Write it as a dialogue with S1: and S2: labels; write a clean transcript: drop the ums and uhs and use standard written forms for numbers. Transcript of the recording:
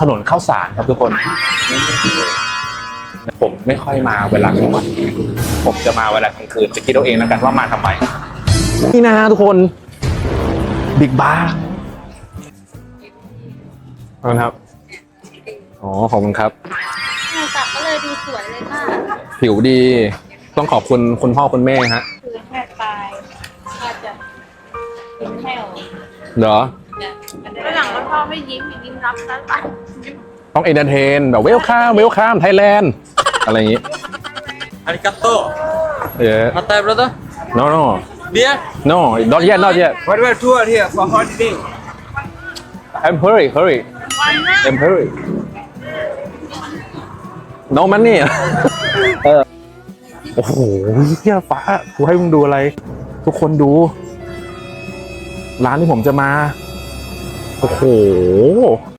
S1: ถนนข้าวสารครับทุกคน ผมไม่ค่อยมาเวลากลางวันผมจะมาเวลากลางคืนจะคิดเอาเองแล้วกันว่ามาทำไมนี่นะทุกคนบิ๊กบาร์ขอบคุณครับอ๋อขอบคุณครับ
S2: จับก็เลยดูสวยเลยค่ะ
S1: ผิวดีต้องขอบคุณคุณพ่อคุณแม่ฮะ
S2: คือแค่ปลายก็จะเป็นแถว
S1: เหรอ
S2: หลังแล้วพ่อไม่ยิ้มยิ้มรับซะไป
S1: ต้องเอนเตอร์เทนแบบเวลคัมไทยแลนด์อะไรอย่างงี้
S3: อาริกาโต้
S1: Matai
S3: brother
S1: no
S3: beer
S1: no not yet
S3: what about tour here for holiday
S1: I'm hurry I'm hurry no money โอ้โหเฮียฟ้ากูให้มึงดูอะไรทุกคนดูร้านที่ผมจะมาโอ้โห